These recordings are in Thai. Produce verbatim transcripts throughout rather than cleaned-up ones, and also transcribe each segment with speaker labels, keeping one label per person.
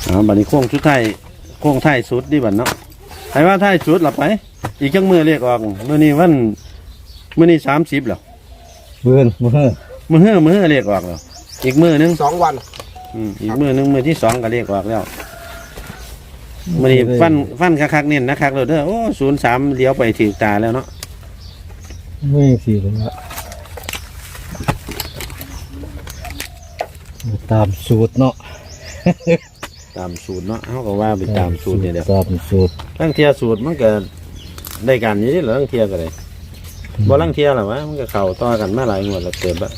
Speaker 1: อ๋อบัดนี้โค้งชุดไทยโค้งไทยสุดดีบัดเนาะใครว่าไทยสุดหลับไปอีกจังมือเรียกออกมื้อนี้วันมื้อนี้สามสิบแล้ว
Speaker 2: เบื่อมือ
Speaker 1: มื้อเฮือมื้อเฮือเรียกออกแล้วอีกมื้อนึง
Speaker 3: สองวัน
Speaker 1: อืมอีกมื้อนึงมื้อที่สองก็เรียกออกแล้วมื้อนี้ฟันฟันคักๆเน้นนะครับเลยเด้อโอ้ศูนย์สามเลี้ยวไปถึงตาแล้วเนาะ
Speaker 2: ไม่สิเลยละตามสูตรเนาะ
Speaker 1: ตามสูตรเนาะเขาก็ว่าไปตามสูตรเนี่ยเดี๋ยว
Speaker 2: ตามสูตร
Speaker 1: ลังเทียสูตรมันก็ได้กันอยู่นี่เหรอลังเทียก็ได้บ่ลังเทียหรอวะมันก็เข้าต่อกันมาหลายงวดแล้วเกิดละ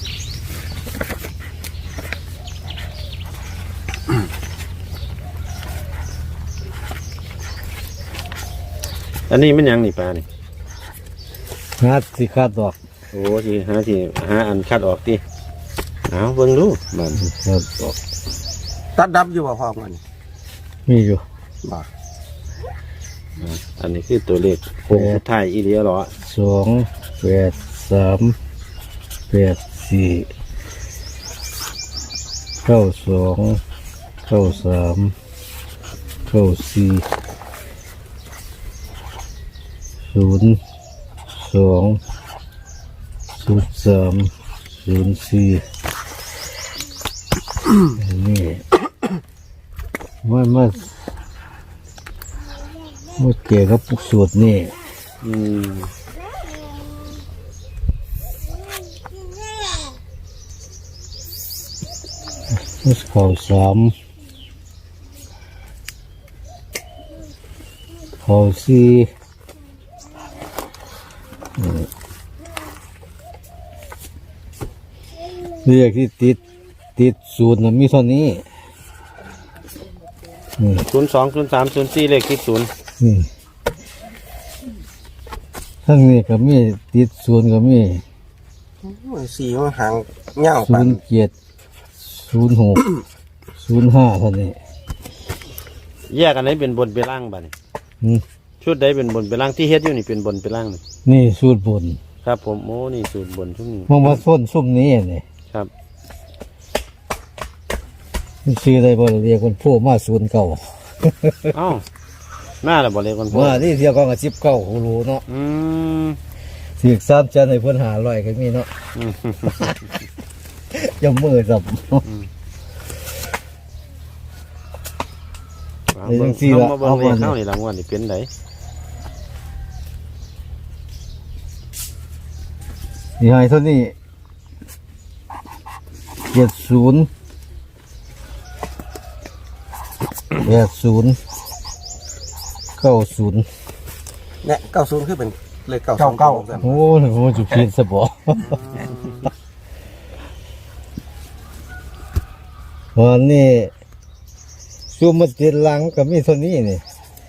Speaker 1: อันนี้มันยังนี่ปลานี่
Speaker 2: หาสิคาดดอก
Speaker 1: โอ้สิหาสิหาอันคัดออกดิเอาเบิ่งดูมัน
Speaker 2: คาดดอก
Speaker 3: ตัดดับอยู่บ่พอมัน
Speaker 2: มีอยู่
Speaker 3: บ่
Speaker 1: อันนี้คือตัวเลขโค้งสุดท้ายอีเลียเหรอ
Speaker 2: สองแปดสามแปดสี่เก้าสองเก้าสามเก้าสี่ศูนย์สองศูนย์สามศูนย์สี่อันนี้มันมันมันเกี่ยวกับสูตรนี่
Speaker 1: อืม
Speaker 2: มันเข่าสามเข่าสี่เรียกที่ติดติดศูนย์น่ะมีเท่านี้นี่
Speaker 1: ศูนย์สองศูนย์สามศูนย์สี่เลขที่ศูนย์
Speaker 2: นี่ทั้งนี้ก็มีติดศูนย์ก็มี
Speaker 3: สี่มันหางเงา
Speaker 2: ศู
Speaker 3: ปั
Speaker 2: น
Speaker 3: น
Speaker 2: ย์เจ็ดศูนย์หกศูนย์ห้าเท่านี้
Speaker 1: แยกอันไหนเป็นบนเป็นล่างบ้านี่
Speaker 2: อืม
Speaker 1: ชุดใดเป็นบนเป็นล่างที่เฮ็ดอยู่นี่เป็นบนเป็นล่างนี่
Speaker 2: นี่สูตรบน
Speaker 1: ครับผมโอ้นี่สูตรบนชุดนี้
Speaker 2: มันมาส้นซุ่มนี้นี่
Speaker 1: ครับ
Speaker 2: มันซื้อได้บ่เรียกคนผู้มาศูนย์เก่า
Speaker 1: เอ้าหน้าละบ่เลยคนพ่อ
Speaker 2: ว่าที่เที่ยวก็กับสิบเก้าหูรู้เนาะ
Speaker 1: อืม
Speaker 2: สี่สามจันให้เพิ่นหาร้อยก็มีเนาะ
Speaker 1: อืม
Speaker 2: จะมือสับ
Speaker 1: เอาเบิ่งเอามาเบิ่งเลขเข้านี่รางวัลนี่เป็นได
Speaker 2: นี่ให้เท่านี้เจ็ดศูนย์แปดศูนย์เก้าศูนย์
Speaker 3: เนี่ยเก้าศูนย์คือเป็นเลขเก้าเก้าเก้า
Speaker 2: โอ้ยมันจะเพี้ยนสบอวันนี้ซูมมาติดหลังก็มีเท่านี้นี่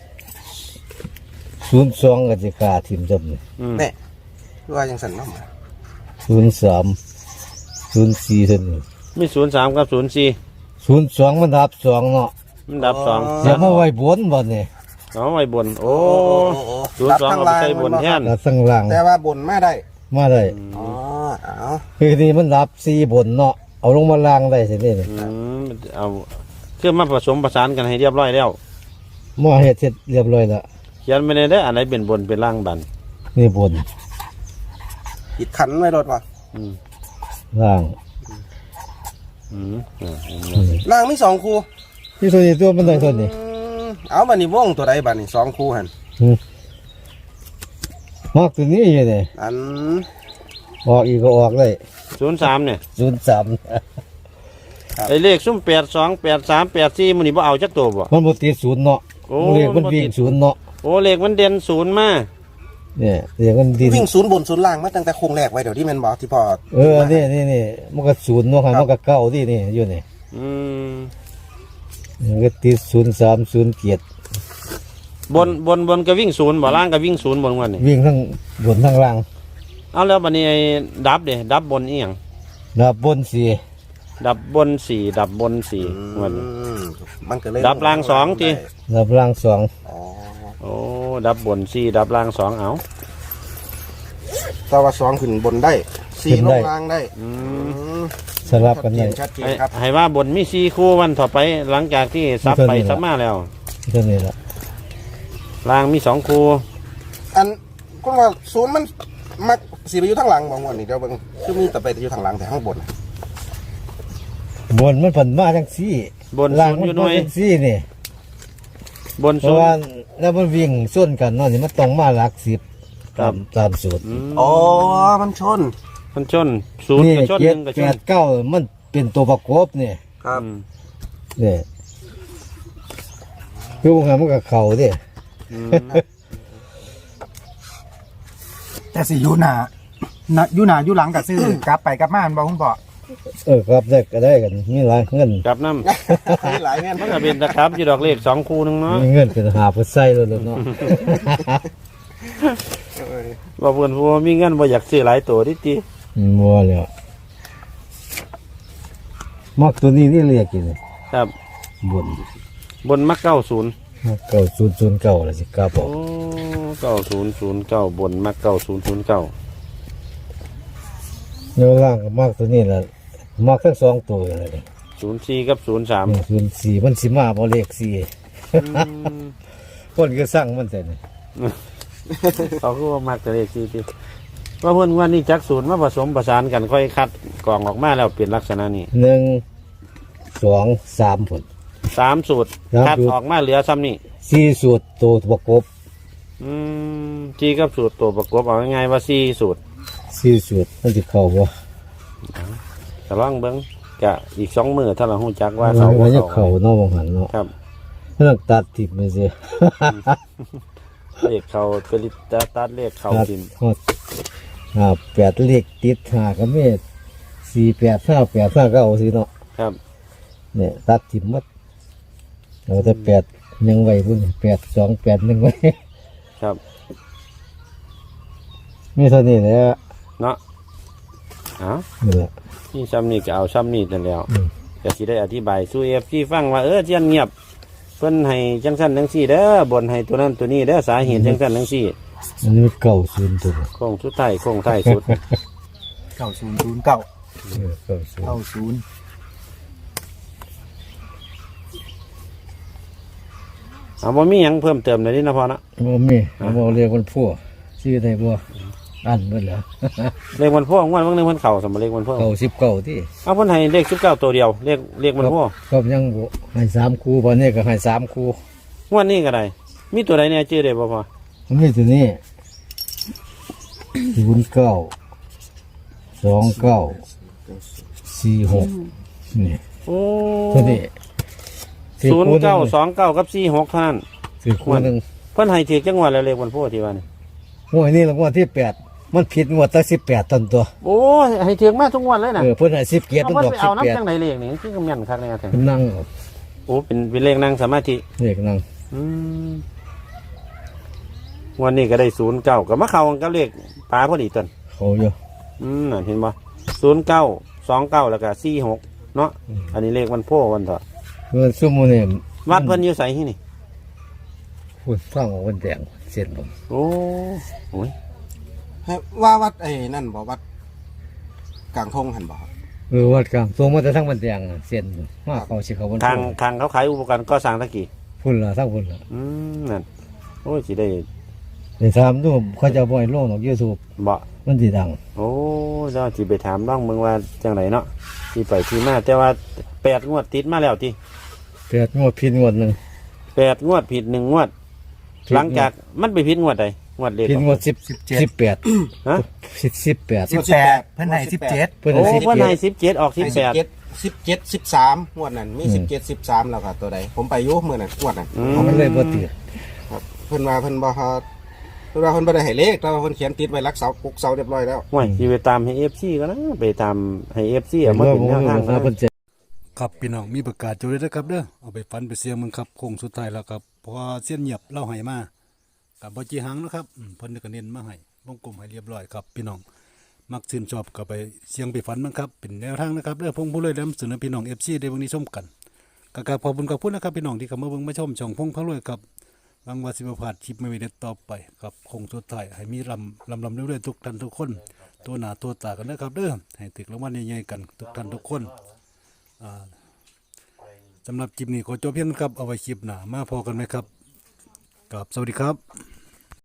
Speaker 2: ศูนย์สองก็จะขาทิมจำนี่
Speaker 1: อืม
Speaker 3: เนี่ยว่ายังสั่นน้ำมา
Speaker 2: ศูนย์สามศูนย์สี่เท่านี้
Speaker 1: มีศูนย์สามกับศูนย์สี่
Speaker 2: ศูนย์สองมันดับสองเนาะ
Speaker 1: มันดับสอง
Speaker 2: เดี๋ยวมาไว้บนบ่เนี่ย
Speaker 1: เอาไว้บนโอ้
Speaker 3: โอ้โห
Speaker 1: ศูนย์สองเอาไปใส่บนแทน
Speaker 2: ดับสังหลัง
Speaker 3: แต่ว่าบนมาได้
Speaker 2: มาได้
Speaker 3: อ๋อเอา
Speaker 2: คือนี่มันดับสี่บนเนาะเอาลงมาล่างได้สิเนี่ย
Speaker 1: อืมเอาเครื่องมาผสมประสานกันให้เรียบร้อยแล้ว
Speaker 2: หม้อเฮ็ดเสร็จเรียบร้อยแล้ว
Speaker 1: เขียนไม่ได้ได้ออันไหนเป็นบนเป็นล่างบัน
Speaker 2: นี่บน
Speaker 3: อิดขันไว้รถวะ
Speaker 1: อืม
Speaker 2: ล่าง
Speaker 1: อืมอ่า
Speaker 3: ล่างมีสองคู่
Speaker 2: ที่ตัวนี้ตัวมันได้ตัวนี้
Speaker 3: อืมเอาบันนี้วงตัวใดบันนี้สองคู่หัน
Speaker 2: มากตัวนี้อยู่เนี่ย
Speaker 3: อัน
Speaker 2: ออกอีกก็ออกเลย
Speaker 1: ศูนย์สามเนี่ย
Speaker 2: ศูนย์สาม
Speaker 1: ไอเลขซุ้มแปดสองแปดสามแปดสี่มันนี่บ่เอาจักตัวบ่
Speaker 2: มันบ่ติดศูนย์เนาะ
Speaker 1: โอ้
Speaker 2: มันเรียกมันวิ่งศูนย์เนาะ
Speaker 1: โอ้เลขมันเด่นศูนย์มา
Speaker 2: เนี่ยเรียกมันดิน
Speaker 3: วิ่งศูนย์บนศูนย์ล่างมาตั้งแต่โค้งแรกไว้เดี๋ยวที่แมนบอกที่พอ
Speaker 2: เออนี่นี่นี่มันก็ศูนย์เนาะครับมันก็เก้าที่นี่อยู่นี่
Speaker 1: อืม
Speaker 2: มันก็ติดศูนย์สามศูนย์เจ็ด
Speaker 1: บนบนบนก็วิ่งศูนย์บ่ล่างก็วิ่งศูนย์บนวันนี่
Speaker 2: วิ่งทั้งบนทั้งล่าง
Speaker 1: เอาแล้วบัดนี้ไอ้ดับเด้ดับบนอีหยัง
Speaker 2: ดับบนสี่
Speaker 1: ดับบนสี่ดับบนสี่วันนี้
Speaker 3: อืมมันก็เลย
Speaker 1: ดับล่างสองที
Speaker 2: ดับล่างสอง
Speaker 3: อ๋อ
Speaker 1: โอ้ดับบนสี่ดับล่างสองเอา
Speaker 3: แต่ว่าสองขึ้นบนได้สี่ลงล่างได้
Speaker 1: อืม
Speaker 3: อืม
Speaker 2: สลับกันได้
Speaker 3: ชัดเจน
Speaker 1: ให้
Speaker 3: ครับ
Speaker 1: ให้ว่าบนมีสี่คู่วันต่อไปหลังจากที่ซับไปซับมาแล้ว
Speaker 2: เท่านี้ละ
Speaker 1: ล่างมีสองคู่
Speaker 3: อันคุณว่าศูนย์มันมักสีไปอยู่ทางหลังบางวันนี่เดี๋ยวเบิ่งคือมีแต่ไปอยู่ทางหลังแต่ข้างบน
Speaker 2: บนมันผันมาจังซี่
Speaker 1: บน
Speaker 2: ล่าง
Speaker 1: ศูนย์
Speaker 2: มั
Speaker 1: อยู่
Speaker 2: น
Speaker 1: หน่
Speaker 2: มา
Speaker 1: วย
Speaker 2: จังซี่นี่
Speaker 1: บน
Speaker 2: เพ
Speaker 1: ศู
Speaker 2: ราะ
Speaker 1: น
Speaker 2: ว่า
Speaker 1: ย์
Speaker 2: แล้วมันวิ่งส่วนกันเนาะนี่มันต้องมาหลักสิบ
Speaker 1: ครั
Speaker 2: ตา
Speaker 1: บ
Speaker 2: มตามสูตร
Speaker 1: อืม
Speaker 3: อ๋อมันชน
Speaker 1: มันชนศูนย์
Speaker 2: นี่
Speaker 1: กับชนห
Speaker 2: เจ็ด
Speaker 1: นึ่งกับ
Speaker 2: แป
Speaker 1: ชน
Speaker 2: ดเก้ามันเป็นตัวประกอบนี่
Speaker 3: ครับ
Speaker 1: อืม
Speaker 2: นี่คือว่ามันกับเขาเดิ
Speaker 1: อืม
Speaker 4: แต่สิอยูหนานะอยูหนาอยูหลังกับซื้อกลับไปกลับมาอันบอกคุณพ่อ
Speaker 2: เออครับได้ก็ได้กันมีหลายเงิน
Speaker 1: กลับน้ำ
Speaker 3: มีหลายเงี้ย
Speaker 1: มันก็เป็นตะครับอยู่ดอกเลขสองคู่หนึงเนาะ
Speaker 2: มีเงินเป็นหาเพื่อใส่แล้วเนาะ
Speaker 1: ว่าเพื่อนผู้ว่ามีเงินบ่อยากซื้อหลายตัวดิจี
Speaker 2: มัวแล้วมักตัวนี้นี่เรียกกิน
Speaker 1: ครับ
Speaker 2: บน
Speaker 1: บนมักเก้าศูนย์
Speaker 2: เก้าศูนย์ศูนย์เก้าละสิกล้าบอ
Speaker 1: โอ้
Speaker 2: ก
Speaker 1: เก้าศูนย์ศูนย์เก้าบนมักเก้าศูนย์ศูนย์เก้า
Speaker 2: เนื้อล่างก็มักตัวนี้แหละมักทั้งสองตัวเลย
Speaker 1: ศูนย์สี่กับศูนย์สาม
Speaker 2: ศูนย์สี่มันสิมาบ่เลขสี่คนก็สั่งมันแต่นี่
Speaker 1: เขาคือว่ามักแต่เลขสี่ที่ว่าเพื่อนว่านี่จักศูนย์มาผสมประสานกันค่อยคัดกล่องออกมาแล้วเปลี่ยนลักษณะนี้
Speaker 2: หนึ่งสองสามผล
Speaker 1: สามสูตร
Speaker 2: สาม
Speaker 1: คัด
Speaker 2: สูตร
Speaker 1: ออกมาเหลือซ้ำนี่
Speaker 2: สี่สูตรตัวประกบ
Speaker 1: อืมจีกับสูตรตัวประกอบเอาง่ายๆว่าสี่สูตร
Speaker 2: สี่สูตรมันจะเข้าบ่
Speaker 1: แต่ลองเบิ้งกะอีกสองมือถ้าเราหูจักว่า
Speaker 2: เขา
Speaker 1: เขา
Speaker 2: ว่า
Speaker 1: บ่
Speaker 2: จะ
Speaker 1: เขา
Speaker 2: เข้าเนาะบางหันเนาะ
Speaker 1: ครับ
Speaker 2: มันต้องตัดทิพย์ไปสิ
Speaker 1: เลขเขาเป็นตัดตัดเลขเขา
Speaker 2: ตัด
Speaker 1: ทิม
Speaker 2: ฮอดอ่าแปดเลขติดหาก็มีสี่แปดห้าแปดห้าเก้าสิเนาะ
Speaker 1: ครับ
Speaker 2: เนี่ยตัดทิพย์หมดเราจะแปดยังไว้พุ่นแปดสองแปดหนึ่งไว้
Speaker 1: ครับ
Speaker 2: มีเท่านี้แหละ
Speaker 1: เนาะเอ้า
Speaker 2: นี่แหละ
Speaker 1: นี่ซ้ำนี่ก็เอาซ้ำนี่นั่นแล้ว
Speaker 2: อืม
Speaker 1: ก็สิได้อธิบายสู้เอฟซีฟังว่าเออเจียนเงียบเพิ่นให้จังสั้นจังซี่เด้อบนให้ตัวนั้นตัวนี้เด้อสาเหตุจังสั้นจังซี่
Speaker 2: อันนี้มันเก่าศูนย์ตัว
Speaker 1: โค้งสุดท้ายโค้งท้ายสุด
Speaker 4: เก้าศูนย์ศูนย์เก้า
Speaker 2: เออเก่าศูนย์
Speaker 4: เก้าศูนย์
Speaker 1: เอาบ่มีหยังเพิ่มเติมเลยนี่นะพ่อนะ
Speaker 2: บ่มีบ่เรียกมันพัวชื่อได้บ่อันเบิดแล้ว
Speaker 1: เลขวันพ่องวดวันหนึงเพิ่นเข้าสมเลขวันพ่อ
Speaker 2: เก่าสิบเก่าที่
Speaker 1: เอาเพิ่นให้เลขสิบเก้าตัวเดียวเลขเลขวันพ่อ
Speaker 2: ก็ยังบ่ให้สามคู่บ่เนี่ยก็ให้สามคู่
Speaker 1: งวดนี้ก็ได้มีตัวใดเนี่ยชื่อได้บ่พ่อ
Speaker 2: มันมีตัวนี้ศูนย์เก้าสองเก้าสี่หกนี่
Speaker 1: โอ้
Speaker 2: ตัวนี้
Speaker 1: ศูนย์เก้าสองเก้ากับสี่หกเท่านั้น
Speaker 2: สี่คู่หนึ่ง
Speaker 1: เพิ่นให้ถือจังหวัดแล้วเลขวันพ่อที่ว่านี่
Speaker 2: งวดนี้รางวัลที่แปดมันผิดงวดตั้งสิบแปดตันตัว
Speaker 1: โอ้ให้ถือมาทุกงวันเลยนะ
Speaker 2: เออเพิ่นให้สิบเกียรติ
Speaker 1: เอา
Speaker 2: มัน
Speaker 1: เพิ่น
Speaker 2: ดอก
Speaker 1: ไป
Speaker 2: สิ
Speaker 1: เอา
Speaker 2: บแปด
Speaker 1: น้ำจังไหนเลขนี่คือกำยันคักแน่แท้
Speaker 2: นั่งเอา
Speaker 1: โอ้เป็นเป็นเลขนั่งสมาธิ
Speaker 2: เด็กนั่ง
Speaker 1: อืมวันนี้ก็ได้ศูนย์เก้ากับมะเขากับเลขปลาพอดีต้น
Speaker 2: เขาอยู่
Speaker 1: อืมน่ะเห็นบ่ศูนย์เก้าสองเก้าแล้วก็สี่หกเนาะอันนี้เลขวันพ่อวันเถอะ
Speaker 2: เงินซุ่มอนี่
Speaker 1: วัดเพิ่นอยู่ใส่ที่นี่
Speaker 2: พูดฟังว่ามันแดงเส้นผม
Speaker 1: โอ้โห
Speaker 3: ให้ว่าวัดไอ้นั่นบอกวัดกลางทงหันบอก
Speaker 2: เออวัดกลางตัวมันจะทั้งมันแดงเส้นมาเขาสิเขาบน
Speaker 1: ทางทางเขาขายอุปกรณ์ก่อสร้างตะกี้
Speaker 2: พุ่นละทั้งพุ่นละ
Speaker 1: อืมนั่นโอ้ยสิได้
Speaker 2: เดี๋ยวถามดูเขาจะบ่อยโลกของยูทูบ
Speaker 1: บ่
Speaker 2: มันสิดัง
Speaker 1: โอ้เจ้าสิไปถามน้องเมืองว่าจังไรเนาะที่ไปที่มาแต่ว่าแปดงวดติดมาแล้วที
Speaker 2: แปดงวดผิดงวดหนึ่ง
Speaker 1: แปดงวดผิดหนึ่งงวด หลังจากมันไปผิดงวดใดงวดเลข
Speaker 2: ผิดงวดสิบสิบแปด
Speaker 1: ฮะ
Speaker 2: สิบสิบแปด
Speaker 4: สิบแปดเพิ่นให้สิบเจ็ด
Speaker 2: เพื่อน
Speaker 1: โอ้
Speaker 2: สิบ
Speaker 1: เพิ่น
Speaker 2: เจ็
Speaker 1: ให้
Speaker 2: ด
Speaker 1: สิบเจ็ดออกสิบแปด
Speaker 3: สิบเจ็ดสิบเจ็ดสิบสามงวดนั้นมีสิบเจ็ดสิบสามแล้วค่ะตัวใดผมไปอยุ่มือนั้นงวดนั้น
Speaker 1: อื
Speaker 2: เขาไม่เลยบ่ติด
Speaker 3: ครับเพิ่นว่าเพิ่นบ่ฮอดเพิ่นว่าเพิ่นบ่ได้ให้เลขแต่ว่าเพิ่นเขียนติดไว้รักเสาปุกเสาเรียบร้อยแล้ว
Speaker 1: ห่วยสิไปตามให้เอฟซีก็นะไปตามให้เอฟซีเอามาเป็นแนวทาง
Speaker 2: นะ
Speaker 1: นะ
Speaker 2: เพิ่นจะ
Speaker 5: ครับพี่น้องมีประกาศจุดเลยนะครับเด้อเอาไปฟันไปเสียงมึงครับโค้งสุดท้ายแล้วครับเพอเสี้ยนเงียบเล่าให้มากับบ่จีหังนะครับอืมเพิ่นก็เน้นมาให้วงกลมให้เรียบร้อยครับพี่น้องมักชื่นชอบก็ไปเสียงไปฝันมันครับเป็นแนวทางนะครับเด้อพงผู้เลยนำเสนอพี่น้อง เอฟ ซี ได้เบิ่งนี้ชมกันก็กราบขอบคุณขอบคุณนะครับพี่น้องที่เข้ามาเบิ่งมาชมช่องพงพระรวยครับหวังว่าสิบ่พลาดคลิปใหม่ๆเด็ดต่อไปครับโค้งสุดท้ายให้มีลำลำลำเรื่อยๆทุกท่านทุกคนตัวหน้าตัวตากันนะครับเด้อให้ถึกรางวัลใหญ่ๆกันทุกท่านทุกคนอ่าสำหรับคลิปนี้ขอจบเพียงเท่านี้ครับเอาไว้คลิปหน้ามาพอกันไหมครับกับสวัสดีครับ